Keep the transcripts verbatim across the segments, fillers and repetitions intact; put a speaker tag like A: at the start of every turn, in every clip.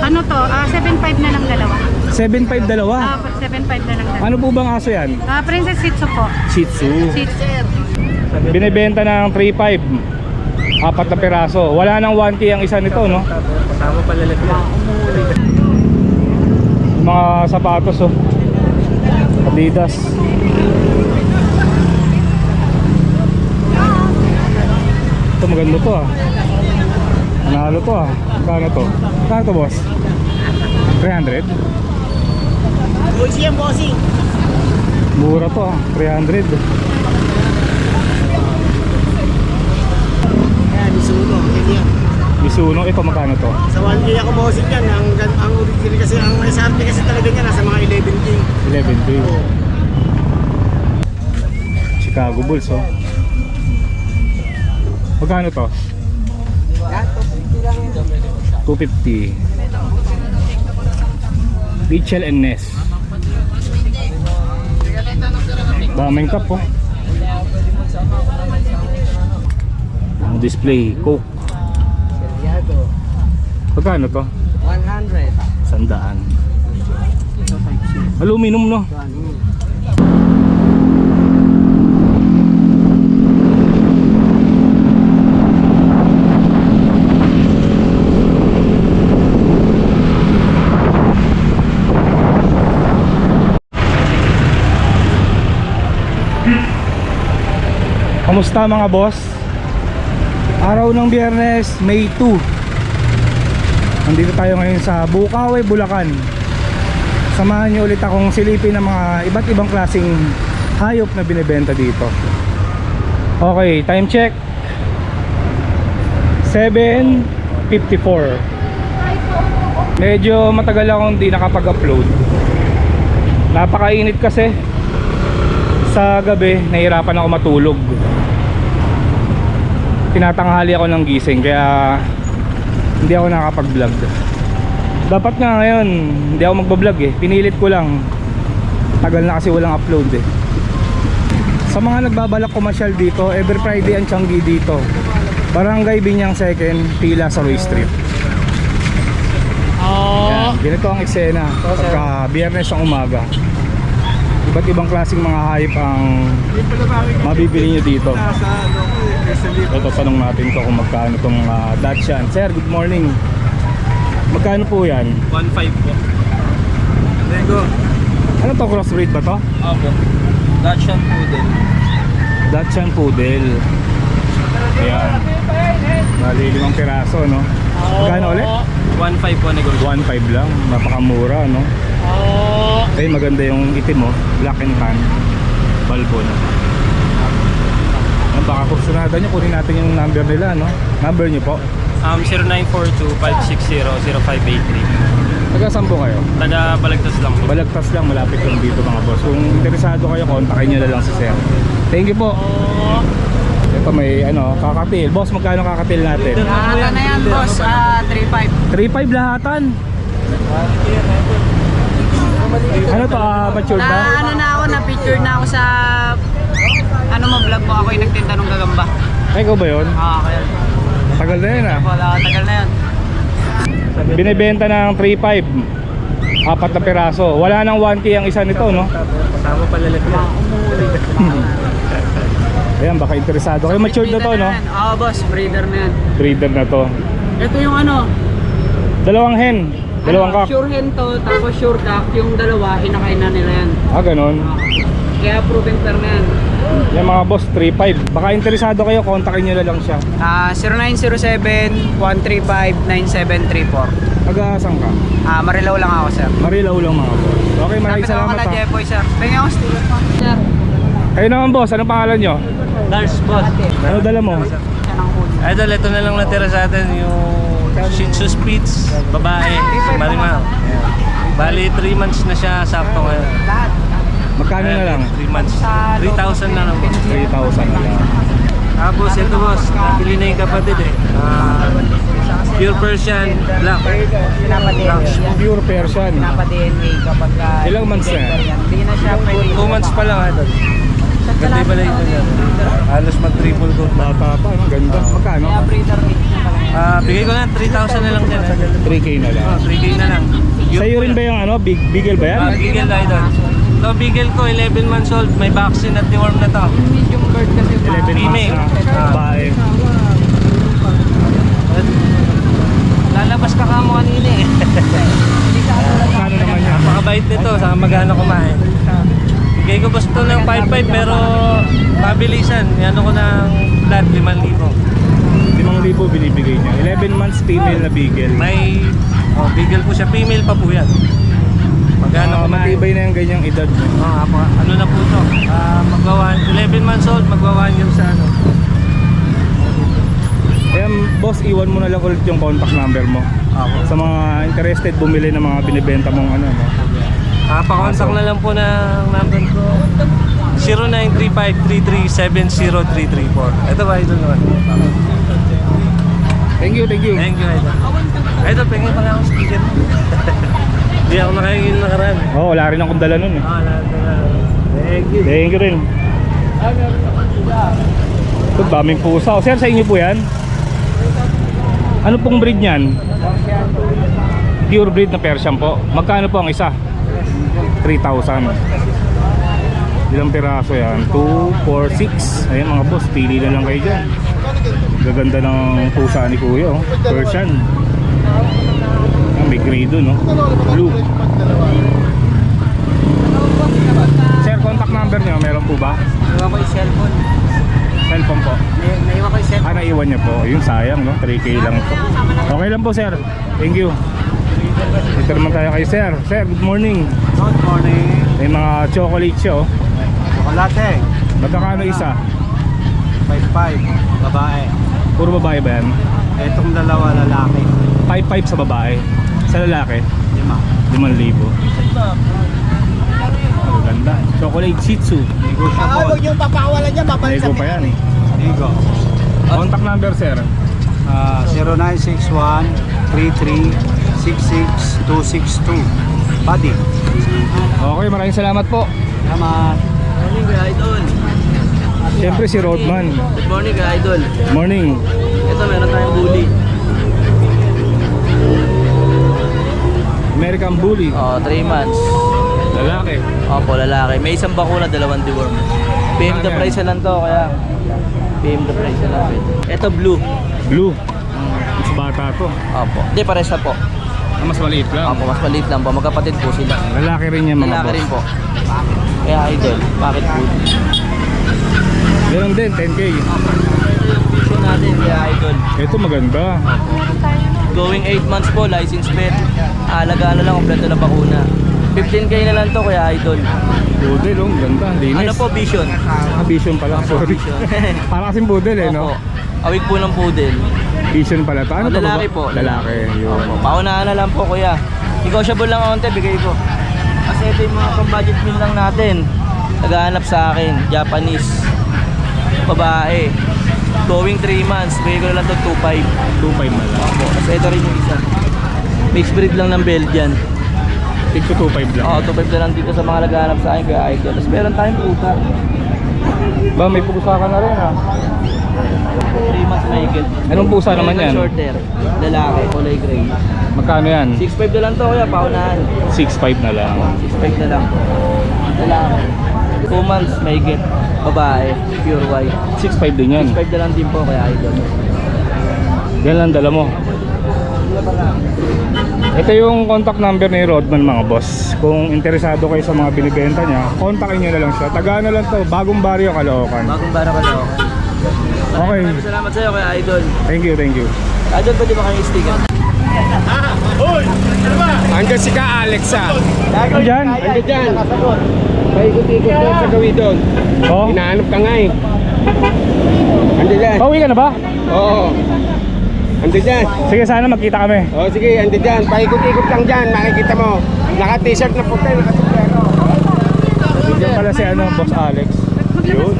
A: ano to, ah, seven five na lang dalawa.
B: seven five dalawa?
A: Ah, seven five na lang dalawa.
B: Ano po bang aso yan?
A: Ah, Princess Shih Tzu po.
B: Shih Tzu.
A: Shih Tzu.
B: Binibenta ng three five. Apat na piraso. Wala nang one K ang isa nito, no?
C: Kasama pala lahat yan.
B: Mga sapatos, oh. Adidas. Ito maganda to, ah. Nanalo to, ah. Kano to? Kano to, boss? three hundred?
C: Bossing yan, bossing.
B: Mura to, ah. three hundred.
C: Yan, Mizuno. Yan yan.
B: Mizuno, ito magkano to?
C: Sa one K ako bossing yan. Ang, ang original kasi, ang S R P kasi talaga niya nasa mga eleven K.
B: eleven K.
C: Oo.
B: Chicago Bulls, oh. Magkano to? two fifty. Mitchell and Ness. Daming cup, oh. Ang display, Coke. Magkano to?
C: one hundred.
B: Sandaan. Aluminum, no? Kamusta mga boss? Araw ng Biyernes, May two. Nandito tayo ngayon sa Bukawi, Bulacan. Samahan niyo ulit akong silipin ng mga iba't ibang klaseng hayop na binibenta dito. Okay, time check. seven fifty-four. Medyo matagal akong hindi nakapag-upload. Napakainit kasi. Sa gabi, nahihirapan ako matulog. Tinatanghali ako ng gising, kaya hindi ako nakapag-vlog. Dapat nga ngayon hindi ako magbablog eh, pinilit ko lang. Tagal na kasi walang upload eh. Sa mga nagbabalak kumasyal dito, every Friday ang Tianggi dito. Barangay Binyang Second, Pila sa Roy Street. Yan, ganito ang eksena pagka Biyernes ng umaga. Iba't ibang klaseng mga hayop ang mabibili nyo dito. Ito, tanong natin to kung magkano itong uh, Dachshund. Sir, good morning. Magkano po yan?
C: one five po. Lego.
B: Ano to, crossbreed ba to?
C: Opo. Dachshund Poodle.
B: Dachshund Poodle. Ayan. Bali, limang piraso, no? Magkano ulit?
C: one five po negosyo.
B: one five lang. Napakamura, no? Ay, maganda yung itim mo. Black and tan. Balbon. Ayan, baka kursunada nyo, kunin natin yung number nila, no? Number nyo po?
C: Um, zero nine four two, five six zero, zero five eight three.
B: Taga-saan po kayo?
C: Taga Balagtas lang po.
B: Balagtas lang, malapit lang dito mga boss. Kung interesado kayo, kontakin nyo na lang si Sir. Thank you po. Ito may ano, kakatil. Boss, magkano kakatil natin?
D: Lahatan na yan, boss. Ah, three five.
B: three five lahatan. Ano to, ah, mature
D: Na
B: ba?
D: ano na ako, na-picture na ako sa ano mo vlog mo, ako yung nagtinda ng gagamba.
B: Ay, ikaw ba yun?
D: Ah, kaya.
B: Tagal na yun ah.
D: Wala, tagal na yan.
B: Binibenta ng three five. Apat na piraso. Wala nang one K ang isa nito, no?
C: Kasama pala lahat yan.
B: Ayan, baka interesado kayo. Matured na to, no?
D: Oo, boss, breeder na yan.
B: Breeder na to.
D: Ito yung ano,
B: Dalawang hen. Dalawang
D: ano,
B: kak.
D: sure hen to, tapos sure cock, yung dalawa, inakain na nila yan.
B: Ah, ganun.
D: Ah, kaya proven pair na yan.
B: Yan mga boss, three five. Baka interesado kayo, kontakin nyo na lang siya.
D: Ah, zero nine zero seven, one three five, nine seven three four.
B: Mag-aasang ka?
D: Ah, Marilaw lang ako, sir.
B: Marilaw lang mga boss. Okay, maraming
D: Lapit ako
B: salamat
D: kala
B: ha.
D: Jeffoy, sir. Tingnan ako, sticker pa. Sir.
B: Kayo naman boss, anong pangalan nyo?
C: Lars, boss.
B: Ano dala mo?
D: Siya ng hood.
C: Idol, ito na lang natira sa atin yung Shih Tzu Spitz, babae, si Marimar. Bali, three months na siya, sakto ngayon.
D: Lahat.
B: Magkano na lang?
C: three months. three thousand na lang.
B: three thousand na lang.
C: Tapos ito boss, nabili na yung kapatid eh. Ah, pure Persian, black.
D: Pinapa-D N A.
B: Pure Persian.
D: Pinapa-D N A kapag ka...
B: Ilang months na yan?
D: Hindi na siya pwede.
C: two months pa lang idol. Ganda yung balito niya. Halos mag-triple coat na.
B: Bata pa, ano? Ganda. Magkano?
D: Kaya breeder mix na pala.
C: Ah, bigay ko na three thousand na lang din.
B: three K na lang.
C: Oh, three K na lang.
B: Sa'yo rin ba yung ano? Big, Beagle ba yan?
C: Ah, Beagle Idol. Ito, Beagle ko, eleven months old. May vaccine at deworm na to.
D: Medium bird kasi.
B: eleven months
C: Female.
B: na.
C: Ah.
B: Babae.
C: Lalabas ka kamo kanina eh.
B: Magkano naman yan?
C: Napakabait nito, saka magana kumain. Bigay ko gusto ng five five pero pabilisan. Ano ko ng flat limang libo.
B: limang libo binibigay niya. eleven months female na Beagle.
C: May oh, Beagle po siya, female pa po yan. Magana
B: Ah,
C: kumain.
B: matibay na yung ganyang edad. No?
C: Oh, apa, ano na po to? Ah, magwa eleven months old, magwa one year sa ano.
B: Eh, boss, iwan mo na lang ulit yung contact number mo.
C: Ako.
B: Sa mga interested bumili ng mga binibenta mong ano, no?
C: Ah, pa-contact na lang po ng number ko. zero nine three five three three seven zero three three four. Ito ba, idol naman?
B: Thank you, thank you.
C: Thank you, idol. Idol, pengin pa nga akong speaker. Hindi ako nakakingin nakaraan.
B: Oh, wala rin akong dala nun eh.
C: Ah, lahat na lang. Thank you.
B: Thank you rin. Ito, daming pusa. O, sir, sa inyo po yan? Ano pong breed niyan? Pure breed na Persian po. Magkano po ang isa? three thousand. Ilang piraso yan? two, four, six. Ayan mga boss, pili na lang kayo dyan. Gaganda ng pusa ni Kuya, oh. Persian. Ah, may gray dun, oh. Blue. Sir, contact number niyo, meron po ba?
D: Naiwan ko yung cellphone.
B: Cellphone po.
D: May- Naiwan ko yung
B: Ah,
D: cellphone.
B: naiwan niya po. Yung sayang, no? three K lang po. Okay lang po, sir. Thank you. Ito naman tayo kay sir. Sir, good morning.
E: Good morning.
B: May mga chocolate siya, oh.
E: Chocolate.
B: Magkakano isa?
E: five five. Babae.
B: Puro babae ba yan?
E: Itong dalawa lalaki.
B: five five sa babae. Sa lalaki,
E: Lima.
B: limang libo. Ang ganda. Chocolate Shih Tzu.
E: Negotiable.
D: yung papakawalan niya,
B: Nego pa yan.
E: Nego.
B: Contact number, sir.
E: Uh, zero nine six one three three six six two six two. Buddy.
B: Okay, maraming salamat po.
E: Salamat.
D: Morning, Kuya Idol.
B: Siyempre si Rodman.
D: Good morning, Kuya Idol.
B: Morning.
D: Ito, meron tayong bully.
B: American Bully.
D: Oh, three months.
B: Lalaki.
D: Opo, lalaki. May isang bakuna, dalawang deworm. P M the
B: Ano yan?
D: price na lang to, kaya P M the price na lang. Ito, blue.
B: Blue. Mas bata to.
D: Opo. Hindi, pares na po.
B: Ah, mas maliit lang.
D: Opo, mas maliit lang po. Magkapatid po sila.
B: Lalaki rin yan mga
D: Lalaki
B: boss.
D: rin po. Kaya Idol, bakit po?
B: Meron din, ten K.
D: Ito yung vision natin, kaya Idol.
B: Ito maganda.
D: Going eight months po, license pet. Alagaan na lang, kompleto na bakuna. fifteen K na lang to, kaya Idol.
B: Budel, oh, ganda. Linis.
D: Ano po, vision?
B: Ah, Vision pala, sorry.
D: Vision.
B: Para kasing budel eh, no?
D: Opo. Awig po ng poodle.
B: Vision pala to. Ano
D: Oh,
B: to ba?
D: lalaki po.
B: Lalaki. Yun.
D: Opo. Paunahan na lang po, kuya. Negotiable lang onte, bigay ko. Kasi ito yung mga pang-budget meal lang natin. Naghahanap sa akin, Japanese. Babae. Going three months, bigay ko na lang to two five.
B: two five na lang.
D: Opo. Kasi ito rin yung isa. Mixed breed lang ng Belgian.
B: Take to two five lang.
D: Oo, two five na lang dito sa mga naghahanap sa akin, kaya Idol. Tapos meron tayong puta.
B: Ba, may pusa ka na rin ha.
D: three months na higit.
B: Anong pusa naman yan?
D: Short hair. Lalaki, kulay gray.
B: Magkano yan?
D: six five na lang to, kuya, paunahan.
B: six five na lang.
D: six five na lang. Lalaki. two months may get. Babae, pure white.
B: six five din yan.
D: six five na lang din po, kaya Idol.
B: Yan lang dala mo. Ito yung contact number ni Rodman mga boss. Kung interesado kayo sa mga binibenta niya, kontakin niyo na lang siya. Taga ano lang to, Bagong Baryo, Caloocan.
D: Bagong bara ka daw.
B: Okay.
D: Maraming salamat sa iyo, kaya Idol.
B: Thank you, thank you.
D: Idol, pwede ba kayo sticker?
E: Hanggang si ka Alex ah.
B: Diyan?
E: Hanggang dyan. Paikot-ikot doon sa gawin doon.
B: Oh.
E: Hinahanap ka nga eh. Hanggang dyan.
B: Pauwi ka na ba?
E: Oo. Hanggang dyan.
B: Sige, sana magkita kami.
E: O sige, hanggang dyan. Paikot-ikot lang dyan. Makikita mo. Naka-t-shirt na puti. Naka-sombrero.
B: Diyan pala si ano, Boss Alex. Yun.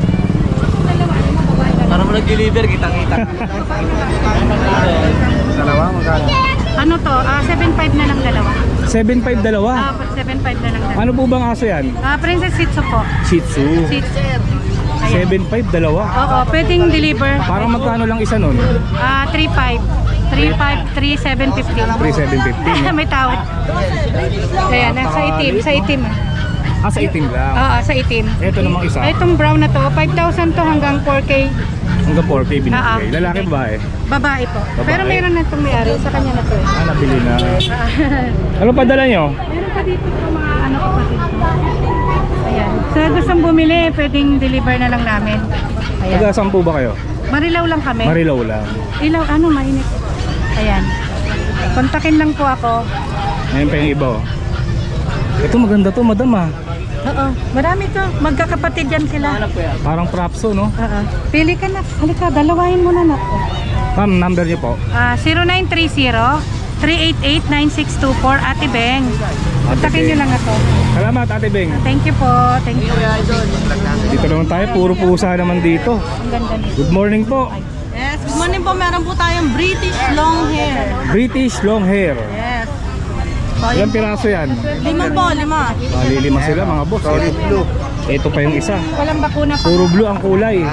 D: Para mo nag-deliver, kitang-kita.
E: Dalawa, magkano?
A: Ano to? Ah, seven five na lang dalawa.
B: seven five dalawa.
A: Ah, seven five na lang dalawa.
B: Ano po bang aso yan?
A: Ah, Princess Shih Tzu po.
B: Shih Tzu.
A: Shih Tzu. Ayan.
B: seven five dalawa.
A: Oo, pwedeng deliver.
B: Parang magkano lang isa nun?
A: Ah, three five. three five, three seven fifty.
B: three seven fifty.
A: May tawad. Ayan, sa itim, sa itim.
B: Ah, sa itim lang.
A: Oo, sa itim.
B: Ito namang isa.
A: Ay, itong brown na to, five thousand to hanggang four K.
B: Hanggang four K binibigay.
A: Ah, ah.
B: Lalaki babae?
A: Babae po.
B: Babae.
A: Pero meron na itong may-ari, sa kanya na to. eh.
B: Ah, nabili na. Ano padala nyo?
A: Meron pa dito po mga ano kapatid ko. Ayan. Sa gustong bumili, pwedeng deliver na lang namin. Ayan.
B: Taga saan po ba kayo?
A: Marilaw lang kami.
B: Marilaw lang.
A: Ilaw, ano, mainit. Ayan. Kontakin lang po ako.
B: Ngayon pa yung iba oh. Ito maganda to madam ah.
A: Oo. Marami to. Magkakapatid yan sila.
B: Parang propso no?
A: Oo. Pili ka na. Halika, dalawahin mo na na.
B: Ma'am, number niyo po.
A: Ah, zero nine three zero, three eight eight, nine six two four, Ate Beng. Kontakin nyo lang ako.
B: Salamat Ate Beng.
A: Thank you po. Thank you.
B: Dito naman tayo, puro pusa naman dito.
A: Ang ganda nito.
B: Good morning po.
F: Yes, good morning po. Meron po tayong British long hair.
B: British long hair.
F: Yes.
B: Ilang piraso yan?
F: Lima po, lima.
B: Malilima sila mga boss. Solid blue. Ito pa yung isa.
A: Walang bakuna pa.
B: Puro blue ang kulay.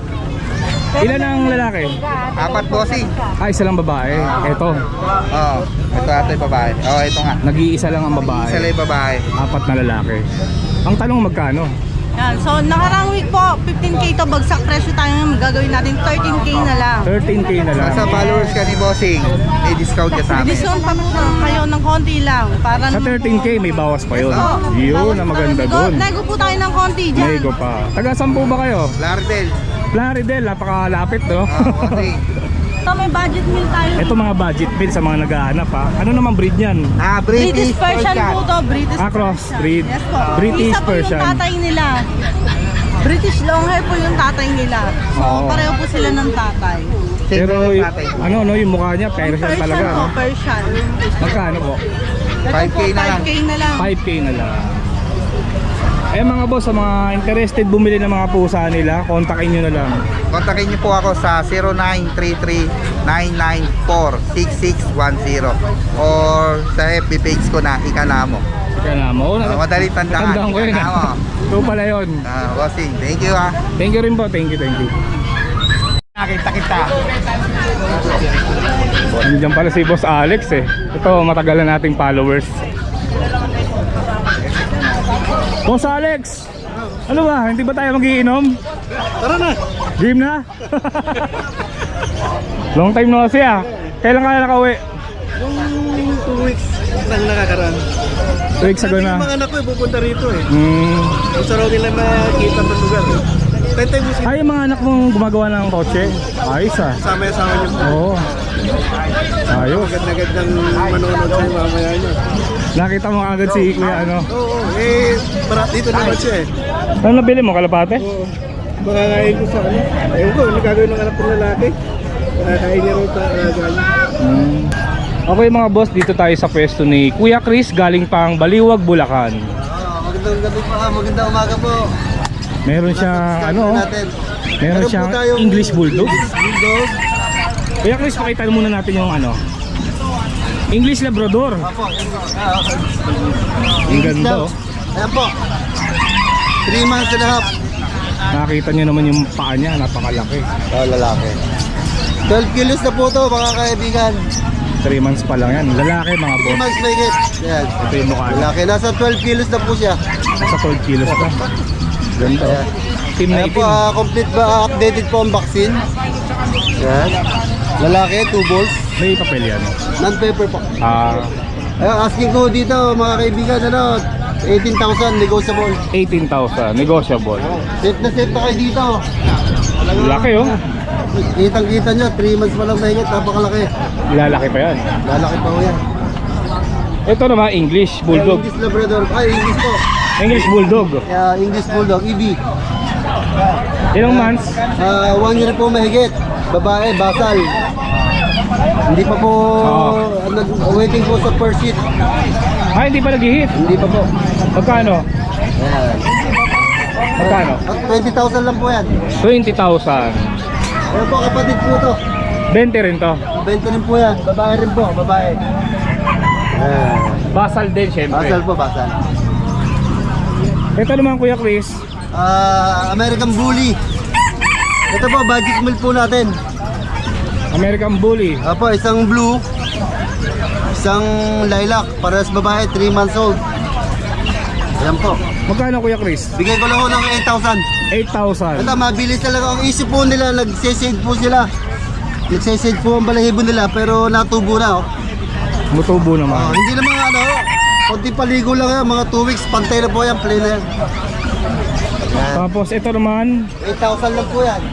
B: Ilan ang lalaki?
E: Apat bossing.
B: Ah, isa lang babae. Ito.
E: Oo. Ito ata yung babae. Oo, ito nga.
B: Nag-iisa lang ang
E: Isa lang
B: babae.
E: yung babae.
B: Apat na lalaki. Ang tanong magkano?
F: Yan. So, nakarang week po, fifteen K to bagsak presyo tayo ngayon. Gagawin natin thirteen K na lang.
B: thirteen K na lang.
E: Sa followers ka ni bossing, may discount ka sa amin.
F: Discount pa po kayo ng konti lang. Para
B: Sa thirteen K may bawas pa yun.
F: Oo.
B: Yun
F: Bawas
B: na
F: pa
B: maganda
F: nego-
B: dun.
F: Nego po tayo ng konti dyan.
B: Nego pa. Taga saan po ba kayo?
E: Lardel.
B: Plaridel, napakalapit no?
E: Ah, bossing.
F: Ito may budget meal tayo.
B: Ito mga budget bill sa mga naghahanap ha. Ano naman breed niyan?
E: Ah,
F: British Persian po to. British
B: Ah, cross
F: Persian.
B: breed.
F: Yes po.
B: British
F: Isa po
B: Persian.
F: yung tatay nila. British long hair po yung tatay nila. So,
B: Oo.
F: pareho po sila ng tatay.
B: Pero y- ano no yung mukha niya Persian
F: Persian
B: talaga.
F: po,
B: No?
F: Persian.
B: Magkano po?
E: five K na lang.
F: five K na lang.
B: five K na lang. Eh mga boss, sa mga interested bumili ng mga pusa nila, kontakin nyo na lang.
E: Kontakin niyo po ako sa zero nine three three, nine nine four, six six one zero or sa F B page ko na Ikanamo.
B: Kaya na mo.
E: Uh, madali tandaan.
B: Tandaan ko yun.
E: Ikanamo.
B: Ito pala yun.
E: Ah, bossing, thank you ah.
B: Thank you rin po. Thank you, thank you.
E: Nakita kita.
B: Nandiyan pala si Boss Alex eh. Ito, matagal na nating followers. Boss Alex! Ano ba? Hindi ba tayo magiinom?
E: Tara na.
B: Game na? Long time no kasi ah. Kailan kaya nakauwi?
E: Yung two weeks nang nakakaraan.
B: Two weeks ago na.
E: Mga anak ko pupunta rito eh.
B: Hmm.
E: Gusto raw nila makita ng lugar eh. Tentay mo
B: Ay, yung mga anak mong gumagawa ng kotse. Ayos ah.
E: sama-sama niyo.
B: Oo. Ayos.
E: Agad-agad ng manonood sa mamaya niyo.
B: Nakita mo agad si Kuya ano.
E: Oo, eh, para dito naman siya eh.
B: Ano nabili mo? Kalapate?
E: Oo. Makakain ko sa ano. Ewan ko, ano gagawin ng anak ng lalaki? Makakain niya rin sa alaga niya.
B: Hmm. Okay mga boss, dito tayo sa pwesto ni Kuya Chris galing pang Baliwag, Bulacan.
E: Magandang gabi pa, magandang umaga po.
B: Meron siyang ano,
E: natin.
B: meron
E: Meron
B: siyang
E: po tayong
B: English Bulldog.
E: Bulldog.
B: Kuya Chris, pakita muna natin yung ano, English Labrador.
E: Apo. Ah, okay.
B: Ang ganda oh.
E: Ayan po. three months and a half.
B: Nakakita niyo naman yung paa niya, napakalaki.
E: Oh, lalaki. twelve kilos na po to, mga kaibigan.
B: three months pa lang yan. Lalaki mga
E: three
B: boss.
E: months may get. Yan.
B: Ito yung mukha niya.
E: Lalaki. Nasa twelve kilos na po siya.
B: Sa twelve kilos pa. Ganda oh.
E: Ayan.
B: Team na
E: Ayan po,
B: itim.
E: ah, complete ba, updated po ang vaccine. Yan. Lalaki, two balls.
B: May papel yan.
E: Non-paper po.
B: Ah,
E: Ayun, asking ko dito, mga kaibigan, ano, eighteen thousand negotiable.
B: eighteen thousand. Negotiable.
E: Safe na safe na kayo dito.
B: Laki oh.
E: Kitang-kita nyo, three months pa lang na ingat, napakalaki.
B: Lalaki pa yan.
E: Lalaki pa ho yan.
B: Ito naman English Bulldog.
E: English Labrador. Ay, English po.
B: English Bulldog.
E: Yeah, English Bulldog, E B.
B: Ilang months?
E: Ah, one year po mahigit. Babae, basal. Hindi pa po,
B: Oo.
E: nag waiting po sa first sheet.
B: Ah, hindi pa nag-hit.
E: Hindi pa po.
B: Magkano?
E: Ayan.
B: Magkano?
E: At twenty thousand lang po yan.
B: twenty thousand.
E: Ayan po, kapatid po to.
B: twenty rin to.
E: twenty rin po yan. Babae rin po, babae. Ayan.
B: Basal din, syempre.
G: Basal po, basal.
B: Ito naman, Kuya Chris.
G: Ah, American Bully. Ito po, budget meal po natin.
B: American Bully.
G: Apo, isang blue, isang lilac, parehas babae, three months old. Ayan po.
B: Magkano, Kuya Chris?
G: Bigay ko lang ho ng eight thousand.
B: eight thousand.
G: Ito, mabilis talaga. Ang isip po nila, nagsisave po sila. Nagsisave po ang balahibo nila, pero natubo na. Oh.
B: Mutubo
G: Oh,
B: naman.
G: hindi naman ano, konti paligo lang yan, mga two weeks, pantay na po yan, plain na yan. Yan.
B: Tapos ito naman,
G: eight thousand lang po yan.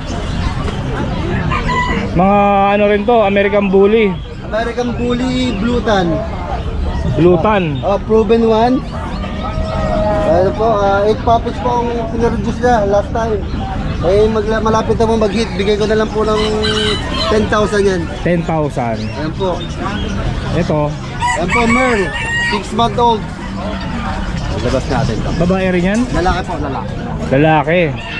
B: mga ano rin to, American Bully.
G: American Bully Blue Tan.
B: Blue Tan.
G: Oh, proven one. Ano po, uh, eight puppies po ang pinreduce niya last time. Eh, magla- malapit na po mag-hit. Bigay ko na lang po ng ten thousand yan.
B: ten thousand.
G: Ayan po.
B: Ito,
G: Ayan po, Merl. six month old. Labas natin ito.
B: babae rin yan?
G: Lalaki po, lalaki.
B: Lalaki.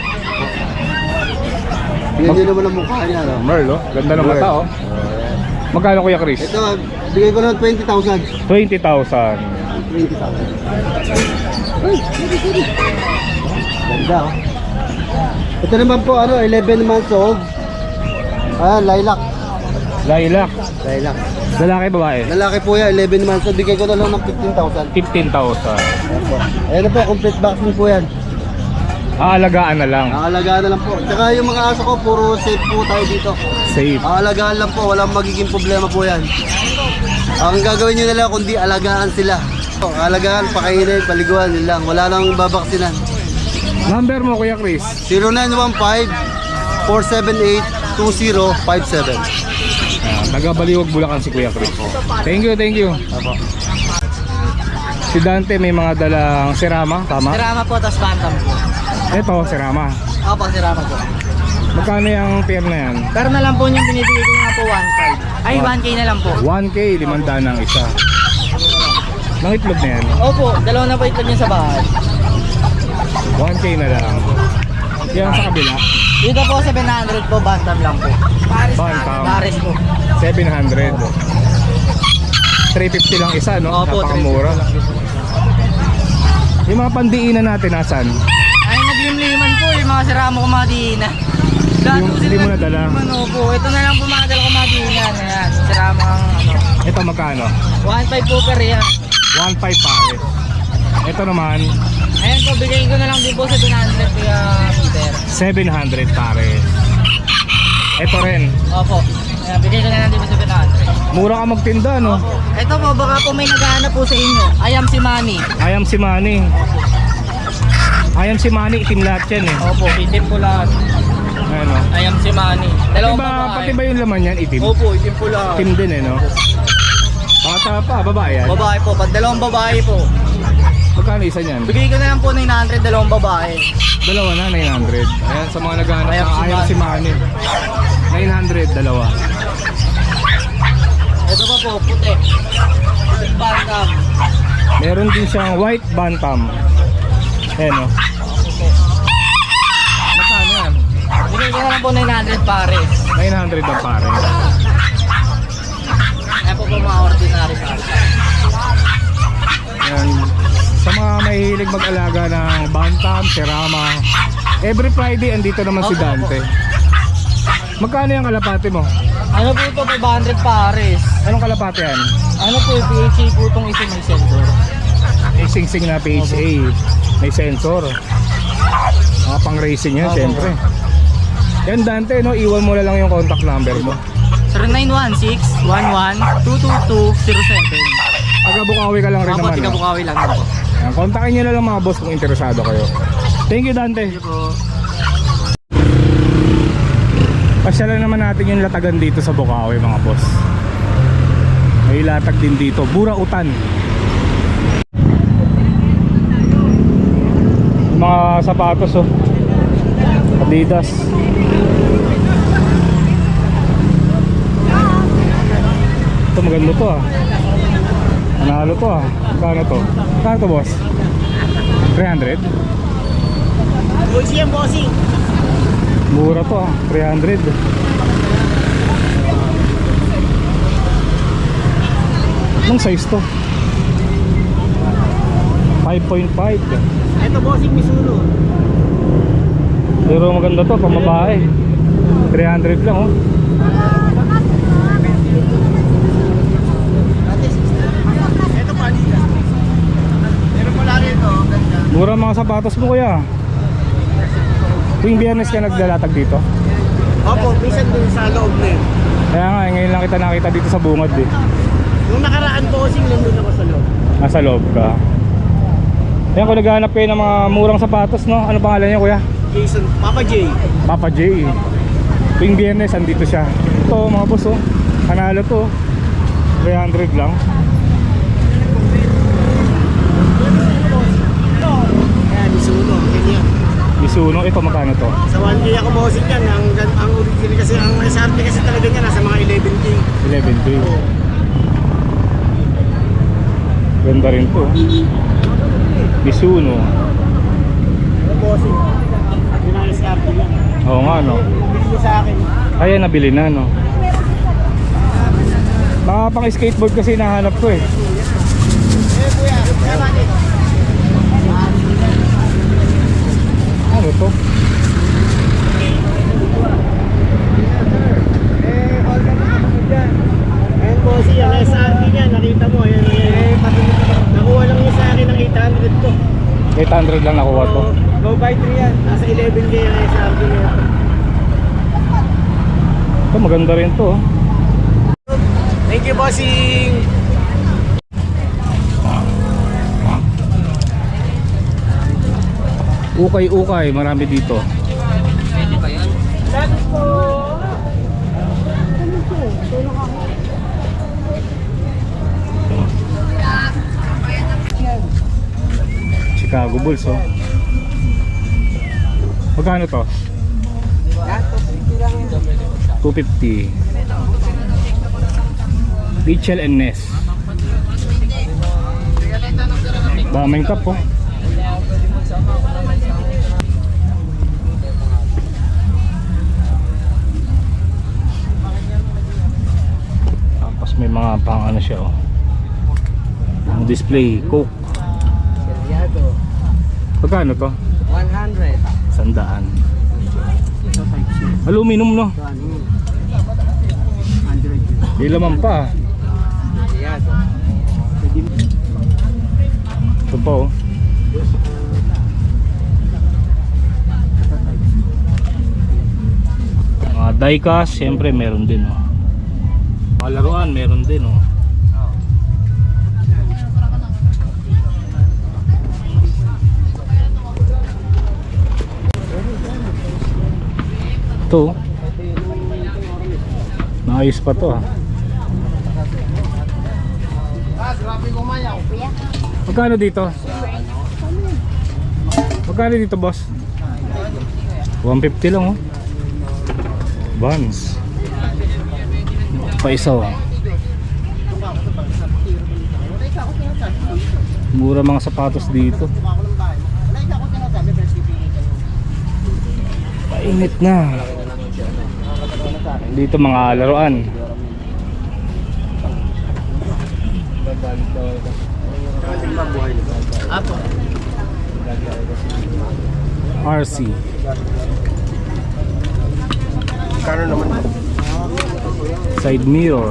G: Tingnan nyo naman ang mukha niya. No?
B: Merl, oh. Ganda ng mata, oh. Magkano, Kuya Chris?
G: Ito, bigay ko ng twenty thousand.
B: twenty thousand.
G: twenty thousand. Uy, sorry, sorry. Ganda, oh. Ito naman po, ano, eleven months old. Ah, lilac.
B: Lilac.
G: Lilac.
B: Lalaki, babae?
G: Lalaki po yan, eleven months old. Bigay ko na lang ng fifteen thousand.
B: fifteen thousand.
G: Ayan po. Ayan na po, complete vaccine po yan.
B: Aalagaan na lang.
G: Nakalagaan na lang po. Tsaka yung mga aso ko, puro safe po tayo dito.
B: Safe.
G: Alagaan lang po, walang magiging problema po yan. Ang gagawin nyo na lang kundi alagaan sila. Alagaan, pakainin, paliguan, yun lang. Wala nang babaksinan.
B: Number mo, Kuya Chris?
G: zero nine one five, four seven eight, two zero five seven.
B: Ah, taga-Baliwag, Bulacan si Kuya Chris. Thank you, thank you. Si Dante may mga dalang sirama, tama?
D: Sirama po, tas bantam po.
B: Ito, sirama.
D: Opo, sirama po.
B: Magkano yung pair na yan?
D: Pero na lang po niyang binibigay ko nga po one five. Ay, one K na lang po.
B: one K, limandaan ang isa. Nang itlog na yan?
D: Opo, dalawa na po itlog niya sa bahay.
B: one K na lang. Yan sa kabila?
D: Dito po, seven hundred po, bantam lang po. Paris
B: Bantam.
D: Paris po.
B: seven hundred. three fifty lang isa, no?
D: Opo,
B: Napakamura. Yung mga pandiinan natin, nasan?
D: Ay, naglimliman po yung mga sirama ko mga diina.
B: Yung- hindi mo nadala?
D: Opo, ito na lang po mga dala ko mga diina. Ayan, sirama ang ano.
B: Ito magkano?
D: one five po per yan.
B: one five pares. Ito naman,
D: Ayan po, bigay ko na lang din po sa seven hundred kuya Peter.
B: seven hundred pares. Ito rin.
D: Opo, ayan, bigay ko na lang din po sa seven hundred.
B: Mura ka magtinda, no?
D: Ito po, baka po may naghahanap po sa inyo. I am si Manny.
B: I am si Manny. I am si Manny, itim lahat yan eh.
D: Opo, itim po lahat.
B: Ayan, no?
D: I am si Manny.
B: Pati
D: Dalawang
B: ba,
D: babae.
B: pati ba yung laman yan, itim?
D: Opo, itim po lahat.
B: Itim din eh, no? Bata pa, babae yan.
D: Babae po, pag dalawang babae po.
B: Magkano isa niyan?
D: Bigay ko na lang po nine hundred, dalawang babae.
B: Dalawa na, nine hundred. Ayan, sa mga naghahanap
D: I am
B: ng
D: si
B: I am si Manny. nine hundred, dalawa.
D: Ito pa po, puti. Puti bantam.
B: Meron din siyang white bantam. Ayan, no? Magkano yan?
D: Bigay ko na lang po nine hundred pares.
B: nine hundred ang pare.
D: Ayan po po mga ordinary pares.
B: Ayan. Sa mga mahilig mag-alaga ng bantam, serama, every Friday andito naman si Dante. Magkano yung kalapate mo?
D: Ano po ito, five hundred pares.
B: Anong kalapate yan?
D: Ano po, P H A po itong isa may sensor.
B: May sing-sing na P H A. May sensor. Mga pang racing yan,
D: Opo.
B: syempre. Yan Dante, no? Iwan mo na lang yung contact number mo.
D: zero nine one six, one one, two two two, zero seven.
B: Taga Bukawi ka lang rin
D: Opo,
B: naman.
D: tiga
B: no?
D: Bukawi lang din po.
B: Yan, kontakin nyo na lang mga boss kung interesado kayo. Thank you Dante.
D: Thank you po.
B: Pasyalan naman natin yung latagan dito sa Bukawi mga boss. May latag din dito, Burautan. Mga sapatos oh. Adidas. Ito maganda to ah. Nanalo to ah. Kano to? Kano to boss? three hundred?
D: Bossy yan, bossy.
B: Mura to ah, three hundred. Anong size to? five point five.
G: Ito bossing Misuno.
B: Pero maganda to, pang babae. three hundred lang oh.
G: Ito pa liga. Meron mo lang ito, ganda.
B: Mura mga sapatos mo kuya. Tuwing Biyernes ka naglalatag dito?
G: Opo, minsan din sa loob na yun.
B: Kaya nga, ngayon lang kita nakita dito sa bungad eh.
G: Nung nakaraan bossing, nandun ako sa loob.
B: Nasa loob ka. Ayan, kung naghahanap kayo ng mga murang sapatos, no? Ano pangalan niya kuya?
G: Jason, Papa J.
B: Papa J. Tuwing Biyernes, andito siya. Ito mga boss oh. Panalo to. three hundred lang.
G: Ayan, Misuno, ganyan.
B: Misuno, ito magkano to?
G: Sa one K ako bossing yan. Ang, ang original kasi, ang S R P kasi talaga niya nasa mga eleven K.
B: eleven K. Ganda rin to. Misuno.
G: Ano bossing? Yun ang S R P yan.
B: Oo nga no.
G: Bili niyo sa akin.
B: Ayan, nabili na no. Mga pang skateboard kasi nahanap ko eh.
G: Eh kuya, kaya bakit?
B: Ano to?
G: Eh, all ka na ako dyan. Ayan bossing, ang S R P niya, nakita mo. Ayan, ayan. Nakuha lang niya sa akin ng eight hundred to.
B: eight hundred lang nakuha to.
G: Go buy three yan. Nasa eleven K ang S R P niya.
B: Ito maganda rin to oh.
G: Thank you bossing!
B: Ukay-ukay, marami dito. Chicago Bulls oh. Magkano to? two fifty. Mitchell and Ness. Daming cup oh. Tapos may mga pang ano siya oh. Ang display, Coke. Magkano to?
G: one hundred.
B: Sandaan. Aluminum no? Di laman pa. Ito pa oh. Mga diecast, siyempre meron din oh. Mga laruan meron din oh. Ito naayos pa to ah. Magkano dito? Magkano dito boss? one fifty lang oh. Vans. Pa isa oh. Mura mga sapatos dito. Painit na. Dito mga laruan. R C.
G: Kano naman?
B: Side mirror.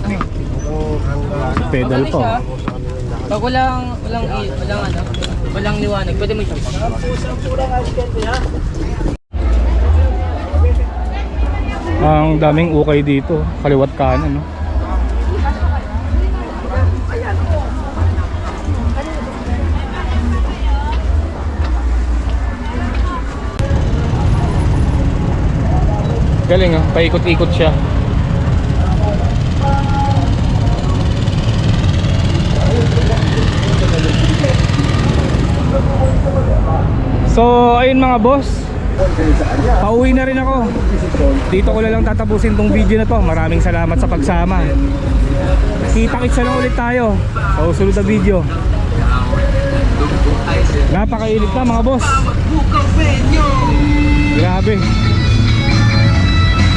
B: Pedal pa.
H: Pag walang, walang, walang ano, walang liwanag, pwede mo ito.
B: Ang daming ukay dito, kaliwat kanan no. Galing ah, paikot-ikot siya. So ayun mga boss, pauwi na rin ako. Dito ko na lang tatapusin tong video na to. Maraming salamat sa pagsama. Kita-kitsa lang ulit tayo sa susunod na video. Napakainit na mga boss. Grabe.